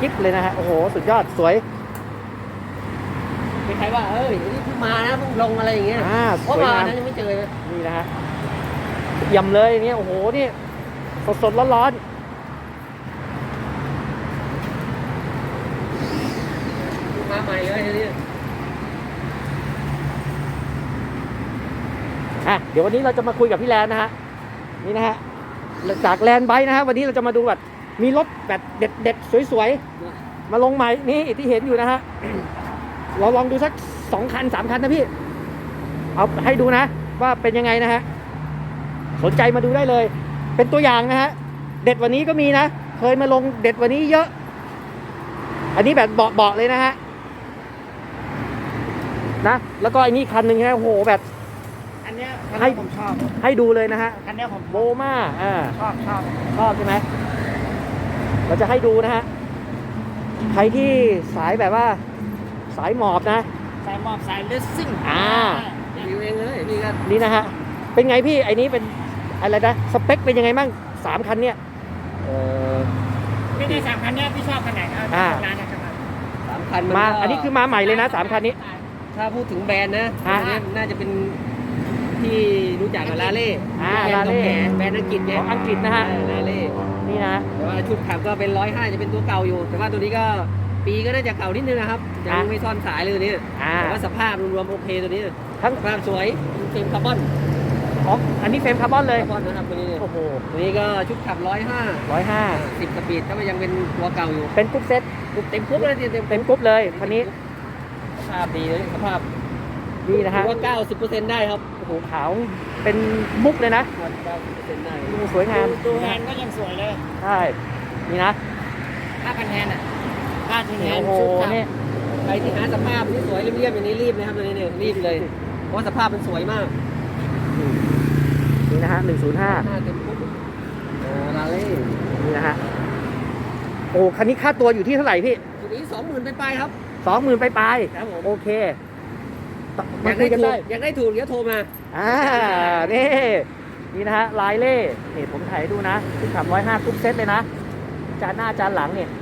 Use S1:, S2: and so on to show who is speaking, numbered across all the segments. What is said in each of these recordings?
S1: กิ๊บเลยนะฮะโอ้โหสุดยอดสวย
S2: ใครว่านี่เพิ่งมานะเพิ่งลงอะไรอย่างเงี้ยเพราะมานะยังไม่เจอ
S1: นี่นะฮะยำเลยเนี่ยโอ้โหนี่สดร้อน
S2: มาใหม่เลยทีนี้
S1: เดี๋ยววันนี้เราจะมาคุยกับพี่แลนนะฮะนี่นะฮะจากแลนไบค์นะฮะวันนี้เราจะมาดูแบบมีรถแบบเด็ดๆสวยๆมาลงใหม่นี่ที่เห็นอยู่นะฮะเราลองดูสัก2 คัน 3 คันนะพี่เอาให้ดูนะว่าเป็นยังไงนะฮะสนใจมาดูได้เลยเป็นตัวอย่างนะฮะเด็ดวันนี้ก็มีนะเคยมาลงเด็ดวันนี้เยอะอันนี้แบบเบาะเลยนะฮะนะแล้วก็อันนี้คันหนึ่งนะโอ้โหแบบ
S2: อันเนี้ยผมชอบ
S1: ให้ดูเลยนะฮะ
S2: อันเนี้ยผม
S1: โบมา
S2: ช
S1: อบใช่ไหมเราจะให้ดูนะฮะใครที่สายแบบว่าสายหมอบนะ
S2: สายหมอบสายเลสซิ่งอยู่เองเลย
S1: นี่นะฮะเป็นไงพี่ไอ้นี้เป็นอะไรนะสเปคเป็นยังไงบ้าง3 คันเนี่ย
S2: ไม่ได้3 คันเนี้ยพี่ชอบคันไหนครับร้านนะครับ3 คัน
S1: มาอันนี้คือมาใหม่เลยนะ3 คันนี้
S2: ถ้าพูดถึงแบรนด์นะน่าจะเป็นที่รู้จักกับลาเล่แบรนด์อังกฤษไง
S1: อังกฤษนะฮะ
S2: ลาเล่
S1: นี่นะ
S2: แต่ว่าชุดขับก็เป็น105จะเป็นตัวเก่าอยู่แต่ว่าตัวนี้ก็ปีก็น่าจะเก่านิดนึงนะครับยังไม่ซ่อนสายเลยตัวนี้แต่ว่าสภาพรวมๆโอเคตัวนี้ทั้งสภาพสวยเฟรมคาร์บอน
S1: อันนี้เฟรมคาร์บอนเลย
S2: คาร์บอนนะครับตัวนี้โอ้โหตัวนี้ก็ชุดขับ105 10 สปีดถ้ามันยังเป็นตัวเก่าอยู่
S1: เป็นกรุ๊ปเซ็ต
S2: เต็มกรุ๊ปเลย
S1: เต็มกรุ๊ปเลยคันนี้
S2: สภาพดีเลยสภาพ
S1: ดีนะฮะ
S2: ว่า 90% ได้ครับ
S1: โอ้โหขาวเป็นมุกเลยนะ
S2: 90% ได้
S1: สวยงาม
S2: ตัวแฮนก็ยังสวยเลย
S1: ใช่นี่นะ
S2: 5,000 แฮน5,000 แฮนชุดขับใครที่หาสภาพที่สวยเรียบๆอย่างนี้รีบนะครับตัวนี้เนี่ยรีบเลยเพราะสภาพมันสวยมาก
S1: นี่นะฮะ105
S2: เต็มปุ๊บลาเล่
S1: นี่นะฮะโอ้คันนี้ค่าตัวอยู่ที่เท่าไหร่พี่
S2: ตัวนี้ 20,000 ไปครับ
S1: 20,000 ไป
S2: ครับผม
S1: โอเค
S2: อยากได้ถูกเดี๋ยวโทรมา
S1: นี่นะฮะลายเล่นี่ผมถ่ายดูนะที่ขับ105กรุ๊ปเซตเลยนะจานหน้าจานหลังเนี่ย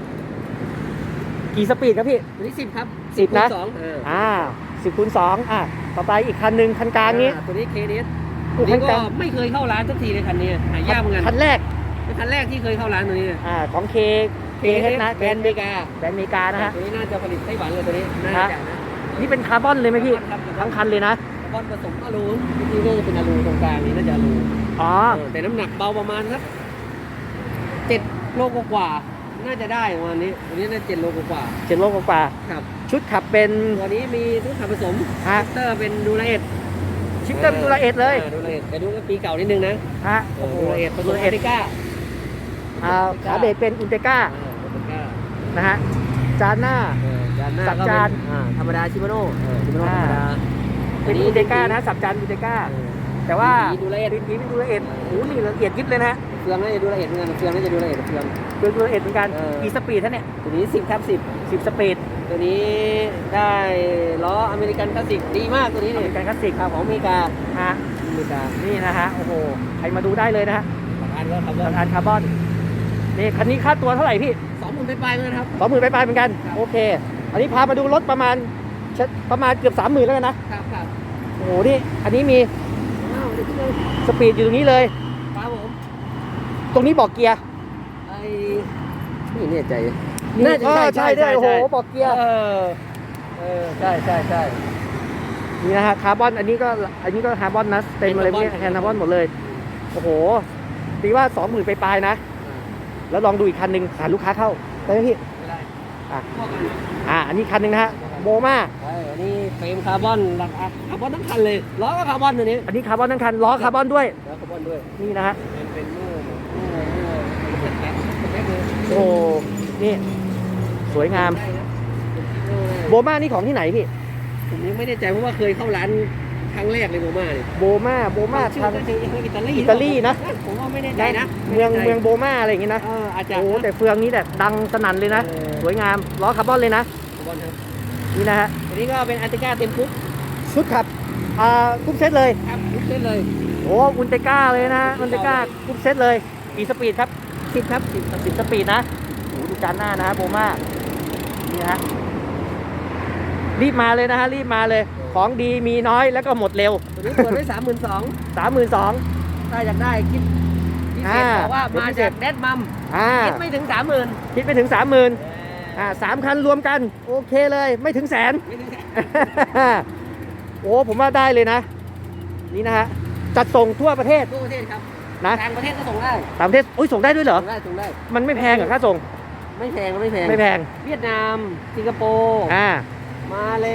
S1: กี่สปีดครับพี่
S2: ตัวนี้10ครับ
S1: 10นะ10x2ต่อไปอีกคันหนึ่งคันกลางนี้
S2: ตัวนี้KDSนี่ก็ไม่เคยเข้าร้านสักทีเลยคันนี้หายากเหมือนกัน
S1: คันแรก
S2: ที่เคยเข้าร้านตัวนี้
S1: ของเคนะ
S2: แบรนด์อเมริ
S1: กานะฮะ
S2: ตัวนี้น่าจะผลิตไต้หวันเลยตัวนี้น่าจะนะ
S1: นี่เป็นคาร์บอนเลยไหมพี่ทั้งคันเลยนะ
S2: คาร์บอนผสมอลูที่นี่จะเป็นอลูตรงกลางนี้น่าจะอลูแต่น้ำหนักเบาประมาณครับ7 โลกว่าน่าจะได้ประมาณนี้ตัวนี้น่า7 โลกว่า
S1: 7 โลกว่า
S2: ครับ
S1: ชุดขับเป็น
S2: ตัวนี้มีชุดขับผสมชิปเตอร์เป็นดูละเอ็ด
S1: เลย
S2: แต่ดูปีเก่านิดนึงนะดูละเอ็ดผสมอุนเตก้า
S1: ขาเบรกเป็นอุนเตก้านะฮะจานหน้าสับจาน
S2: ธรรมดาชิมาโน่ธรรมดา
S1: เป็นอุนเตก้านะสับจานอุนเตก้าแต่ว่า
S2: ดูละเอ็ด
S1: นี่ดูละเอ็ดโอ้นี่ละเอียดยิบเลยนะ
S2: เฟืองน่าจะดูละเอ็ดเหมือนกันเฟืองน่าจะดูละเอ็ดเฟือง
S1: ดูละเอ็ดเหมือนกันกี่สปีดท่านเนี่ย
S2: ตัวนี้10
S1: สปีด
S2: ตัวนี้ได้ล้ออเมริกันคลาสสิกดีมากตัวนี้
S1: อเมริกันคลาสสิก
S2: ครับของอเมริกา
S1: นี่นะฮะโอ้โหใครมาดูได้เลยนะฮะ
S2: อัน
S1: คาร์บอนนี่คันนี้ค่าตัวเท่าไหร่พี่
S2: 20,000 ไปเหมือนกันครับ
S1: 20,000 ไปเหมือนกันโอเคอันนี้พามาดูรถประมาณเกือบ 30,000แล้วกัน
S2: นะครับ
S1: โอ้โหนี่อันนี้มีสปีดอยู่ตรงนี้เลย
S2: ครับผม
S1: ตรงนี้บอกเกียร์
S2: นี่ใจ
S1: น่าจะใช่โอ้โหบอกเกียร์ใช่นี่นะฮะคาร์บอนอันนี้ก็คาร์บอนนะเต็มเลยเนี่ยคาร์บอนหมดเลยโอ้โหตีว่า 20,000 ไปปลายนะแล้วลองดูอีกคันหนึ่งหาลูกค้าเข้าได้ไหมพี่อันนี้คันหนึ่งนะฮะโบมา
S2: อันนี้เฟรมคาร์บอนทั้งคันเลยล้อก็คาร์บอนตัวนี้
S1: อันนี้คาร์บอนทั้งคันล้อคาร์บอนด้วยนี่นะฮะ
S2: เป็น
S1: โอ้นี่สวยงามโบมานี่ของที่ไหนพี่
S2: ผมยังไม่แน่ใจเพราะว่าเคยเข้าร้านครั้งแรกเลยโบมาเนี่ย
S1: โบมา
S2: ทาง
S1: อิตาลีนะ
S2: ผมว่าไม่แน่ใจนะ
S1: เมืองโบมาอะไรอย่างงี้นะ
S2: อาจจะ
S1: โอ้แต่เฟืองนี้แบบดังสนั่นเลยนะสวยงามล้อคาร์บอนเลยนะนี่นะฮะ
S2: อันนี้ก็เป็นอันติก้าเต็มคุก
S1: ชุดขับกรุ๊ปเซตเลย
S2: ครับกรุ๊ปเซตเลย
S1: โอ้อุนเตก้าเลยนะอุนเตก้ากรุ๊ปเซตเลยกี่สปีดครับ10 สปีดนะ
S2: ดู
S1: ดูการหน้านะฮะโบมานี่นะฮะรีบมาเลยนะฮะรีบมาเลยของดีมีน้อยแล้วก็หมดเร็ว
S2: ตัวนี้เปิดไว้32,000
S1: 32,000
S2: ถ้าอยากได้คิดพิเศษบอกว่ามาจากแดดมัมคิดไม่ถึง 30,000
S1: คิดไม่ถึง 30,000 3 คันรวมกันโอเคเลยไม่ถึงแสน
S2: ไม่ถึงแสน
S1: โอ้ผมว่าได้เลยนะนี่นะฮะจัดส่งทั่วประเทศ
S2: ทั่วประเทศครับ
S1: นะ
S2: ต่างประเทศก็ส่งได้
S1: ต่างประเทศส่งได้ด้วยเหรอ
S2: ส่งได้
S1: มันไม่แพงเหรอค่าส่ง
S2: ไม่แพง
S1: ไม่แพง
S2: เวียดนามสิงคโปร์มาเลย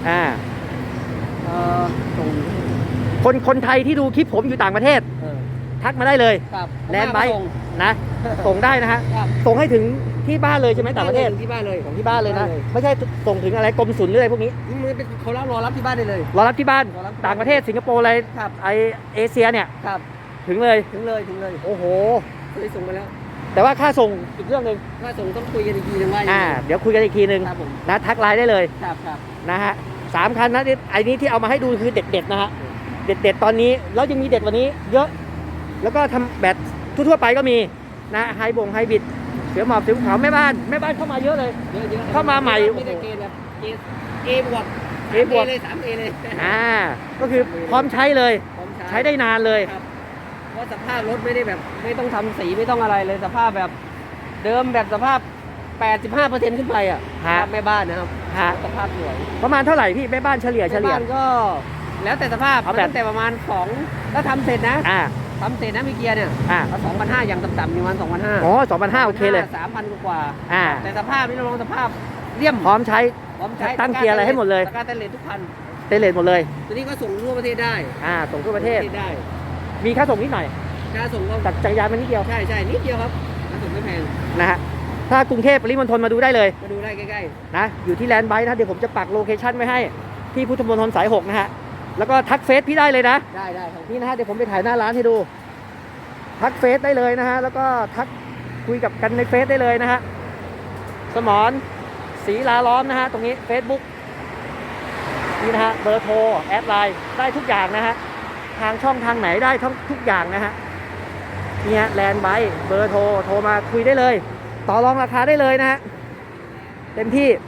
S2: ส่ง
S1: คนไทยที่ดูคลิปผมอยู่ต่างประเทศทักมาได้เลย
S2: ครับ
S1: แลนด์ไบค์
S2: ส่ง
S1: นะส่งได้นะฮะ
S2: ครับ
S1: ส่งให้ถึงที่บ้านเลยใช่ไหมต่างประเทศ
S2: ที่บ้านเลย
S1: ของที่บ้านเลยนะ
S2: บ้านเลย
S1: ไม่ใช่ส่งถึงอะไรกรมศุลหรืออะไรพวกนี้
S2: มันเป็นเขารอรับที่บ้านได้เลย
S1: รอรับที่บ้าน
S2: รอรับที่บ้าน
S1: ต่างประเทศสิงคโปร์อะไร
S2: ครับ
S1: ไอเอเชียเนี่ย
S2: ครับ
S1: ถึงเลย
S2: ถึงเลย
S1: โอ้โห
S2: เคยส่งมาแล้ว
S1: แต่ว่าค่าส่งอีกเรื่องหนึ่ง
S2: ถ้าส่งต้องคุยกันอีกทีนึงว่ายังไง
S1: เดี๋ยวคุยกันอีกทีหนึ่ง
S2: ครับผม
S1: นะทักไลน์ได้เลย
S2: ครับ
S1: นะฮะ3 คันนะไอ้นี้ที่เอามาให้ดูคือเด็ดๆนะฮะเด็ดๆตอนนี้แล้วยังมีเด็ดกว่านี้เยอะ แล้วก็ทำแบบทั่วๆไปก็มีนะไฮบิดเสือหมอบเสือภูเขาแม่บ้านเข้ามาเยอะเลย
S2: เยอะๆ
S1: เข้ามาใหม่
S2: ไม่ได้เกณฑ์แบบเกบวก
S1: A บวก
S2: เลย 3A เลย
S1: ก็คือพร้อมใช้เลย
S2: พร้อม
S1: ใช้ได้นานเลย
S2: ครับเพราะสภาพรถไม่ได้แบบไม่ต้องทำสีไม่ต้องอะไรเลยสภาพแบบเดิมแบบสภาพ 85% ขึ้นไปอ่ะ
S1: ฮะ
S2: แม่บ้านนะครับ
S1: ฮะ
S2: สภาพสวย
S1: ประมาณเท่าไหร่พี่แม่บ้านเฉลี่ย
S2: แม่บ้านก็แล้วแต่สภาพ
S1: เอาแบบ
S2: ตั้งแต่ประมาณ2ถ้าทำเสร็จนะ ทำเสร็จนะมีเกียร์เนี่ย2,500อย่างต่ำๆประมาณ2,500
S1: อ๋อ2,500โอเคเลย
S2: 3,000 กว่า
S1: อ่า
S2: แต่สภาพนี่เราลองสภาพเลี่ยม
S1: พร้อมใช้
S2: พร้อมใช้
S1: ตั้งเกียร์อะไรให้หมดเลย
S2: ตะกร้าเตนเลสทุกคัน
S1: เตเลนหมดเลย
S2: ตัวนี้ก็ส่งทั่วประเทศได้
S1: ส่งทั่วประเทศ
S2: ได้
S1: มีค่าส่งนิดหน่อย
S2: ค่าส่งก็
S1: จากจักรยานมันนิดเดียว
S2: ใช่นิดเดียวครับค่าส่งไม่แพง
S1: นะฮะถ้ากรุงเทพปริมณฑลมาดูได้เลย
S2: มาดูได้ใกล้
S1: นะอยู่ที่แลนด์ไบค์นะเดี๋ยวผมจะปักโลเคชั่นไว้ให้ที่พุทธมณฑลสาย 6 นะฮะแล้วก็ทักเฟซพี่ได้เลยนะ
S2: ๆได้ครับ
S1: นี่นะฮะเดี๋ยวผมไปถ่ายหน้าร้านให้ดู ทักเฟซได้เลยนะฮะแล้วก็ทักคุยกับกันในเฟซได้เลยนะฮะสมรศรีลาล้อมนะฮะตรงนี้ Facebook นี่นะฮะเบอร์โทรแอดไลน์ได้ทุกอย่างนะฮะทางช่องทางไหนได้ทุกอย่างนะฮะเนี่ยแลนด์ไบค์เบอร์โทรมาคุยได้เลย ต่อรองราคาได้เลยนะฮะเต็มที่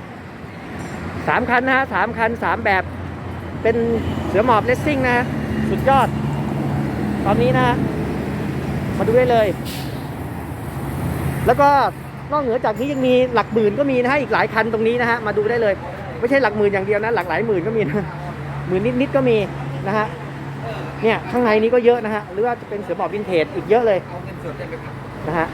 S1: 3 คันนะฮะ3 คัน 3 แบบเป็นเสือหมอบเลสซิ่งนะฮะสุดยอดตอนนี้นะฮะมาดูได้เลย แล้วก็นอกเหนือจากนี้ยังมีหลักหมื่นก็มีนะฮะอีกหลายคันตรงนี้นะฮะมาดูได้เลยไม่ใช่หลักหมื่นอย่างเดียวนะหลักหลายหมื่นก็มีนะหมื่นนิดๆก็มีนะฮะเนี่ยข้างในนี้ก็เยอะนะฮะหรือว่าจะเป็นเสือหมอบวินเทจอีกเยอะเลยนะฮะ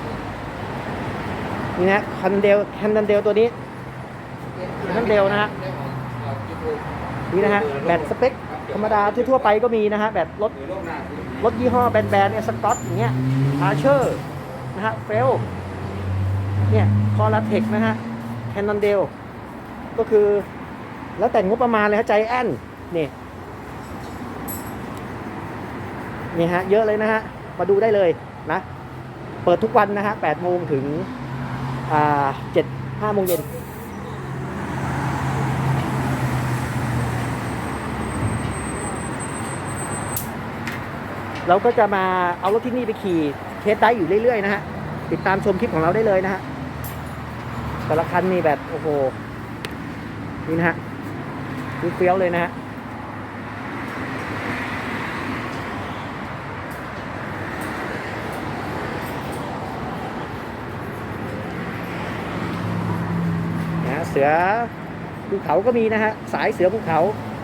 S1: นี่นะแคนเดลตัวนี้แคนเดลนะฮะนี่นะฮะแบตสเปคธรรมดาทั่วไปก็มีนะฮะแบตรถยี่ห้อแบรนด์เนี่ยสกอตอย่างเงี้ยอาร์เชอร์นะฮะเฟลเนี่ยคอลาเทคนะฮะแคนเดลก็คือแล้วแต่งบประมาณเลยฮะใจแอนนี่ฮะเยอะเลยนะฮะมาดูได้เลยนะเปิดทุกวันนะฮะ8 โมงถึง5 โมงเย็นเราก็จะมาเอารถที่นี่ไปขี่เทสได้อยู่เรื่อยๆนะฮะติดตามชมคลิปของเราได้เลยนะฮะแต่ละคันนี่แบบโอ้โหนี่นะฮะดูเฟี้ยวเลยนะฮะเสือภูเขาก็มีนะฮะสายเสือภูเขา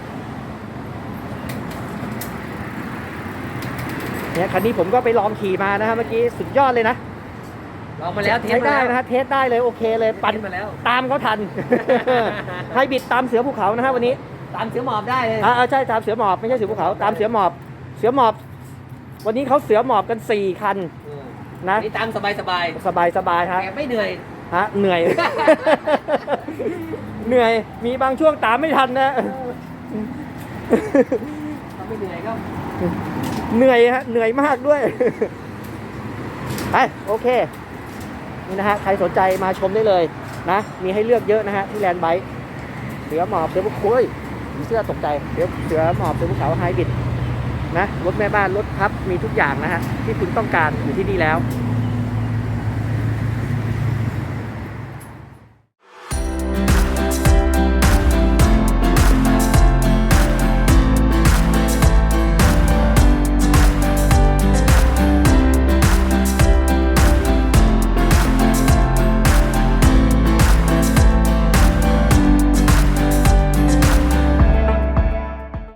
S1: เนี่ยคันนี้ผมก็ไปลองขี่มานะฮะเมื่อกี้สุดยอดเลยนะ
S2: ลองมาแล้วเทส
S1: ใช้
S2: มา
S1: ได้
S2: แล้ว
S1: นะฮะเทสได้เลยโอเคเลยปั่น
S2: เทสมาแล้ว
S1: ตามเขาทัน ไฮบริดตามเสือภูเขานะฮะวันนี้
S2: ตามเสือหมอบได้เลย
S1: ใช่ตามเสือหมอบไม่ใช่เสือภูเขาตามเสือหมอบวันนี้เขาเสือหมอบกัน4 คันนะ
S2: นี่ตามสบาย
S1: สบายฮะ
S2: แกไม่เหนื่อย
S1: เหนื่อย เหนื่อยมีบางช่วงตามไม่ทันนะ
S2: ถ้าไม่เหนื่อยก็
S1: เหนื่อยฮะเหนื่อยมากด้วย ไปโอเคนี่นะฮะใครสนใจมาชมได้เลยนะมีให้เลือกเยอะนะฮะที่แลนด์ไบค์เสือหมอบเสือภูเขาเสื้อตกใจเสือหมอบเสือภูเขาไฮบริดนะรถแม่บ้านรถพับมีทุกอย่างนะฮะที่คุณต้องการอยู่ที่นี่แล้ว